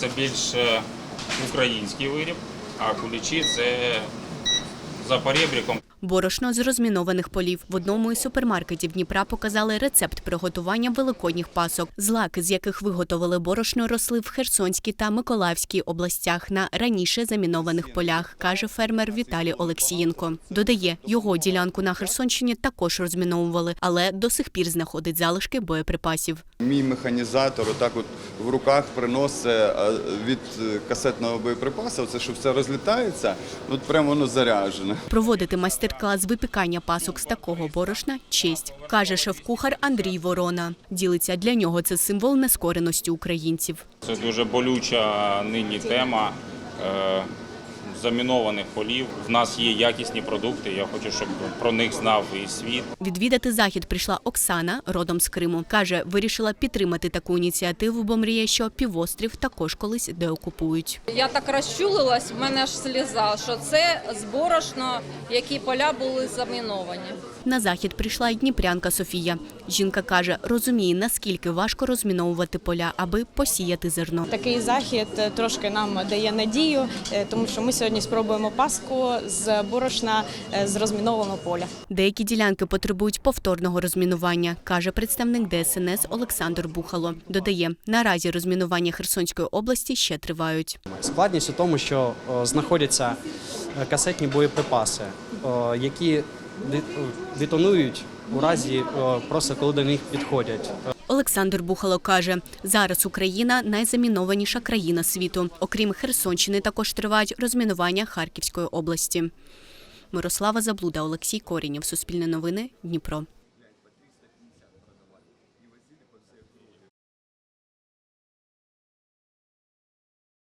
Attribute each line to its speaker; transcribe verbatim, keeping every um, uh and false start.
Speaker 1: це більш український виріб, а куличі – це за поребриком.
Speaker 2: Борошно з розмінованих полів. В одному із супермаркетів Дніпра показали рецепт приготування великодніх пасок. Злаки, з яких виготовили борошно, росли в Херсонській та Миколаївській областях на раніше замінованих полях, каже фермер Віталій Олексієнко. Додає, його ділянку на Херсонщині також розміновували, але до сих пір знаходить залишки боєприпасів.
Speaker 3: Мій механізатор отак от в руках приносить від касетного боєприпасу, це що все розлітається, от прямо воно заряджене.
Speaker 2: Проводити майстер-клас з випікання пасок з такого борошна – честь, каже шеф-кухар Андрій Ворона. Ділиться, для нього це символ нескореності українців.
Speaker 1: Це дуже болюча нині тема е, замінованих полів. В нас є якісні продукти, я хочу, щоб про них знав і світ.
Speaker 2: Відвідати захід прийшла Оксана, родом з Криму. Каже, вирішила підтримати таку ініціативу, бо мріє, що півострів також колись деокупують.
Speaker 4: Я так розчулилась, в мене аж сліза, що це з борошна, які поля були заміновані.
Speaker 2: На захід прийшла й дніпрянка Софія. Жінка каже, розуміє, наскільки важко розміновувати поля, аби посіяти зерно.
Speaker 5: Такий захід трошки нам дає надію, тому що ми сьогодні спробуємо паску з борошна з розмінованого поля.
Speaker 2: Деякі ділянки потребують повторного розмінування, каже представник Де Ес Ен Ес Олександр Бухало. Додає, наразі розмінування Херсонської області ще тривають.
Speaker 6: Складність у тому, що о, знаходяться касетні боєприпаси, о, які детонують у разі, о, просто коли до них підходять.
Speaker 2: Олександр Бухало каже, зараз Україна – найзамінованіша країна світу. Окрім Херсонщини, також тривають розмінування Харківської області. Мирослава Заблуда, Олексій Корінєв, Суспільне новини, Дніпро.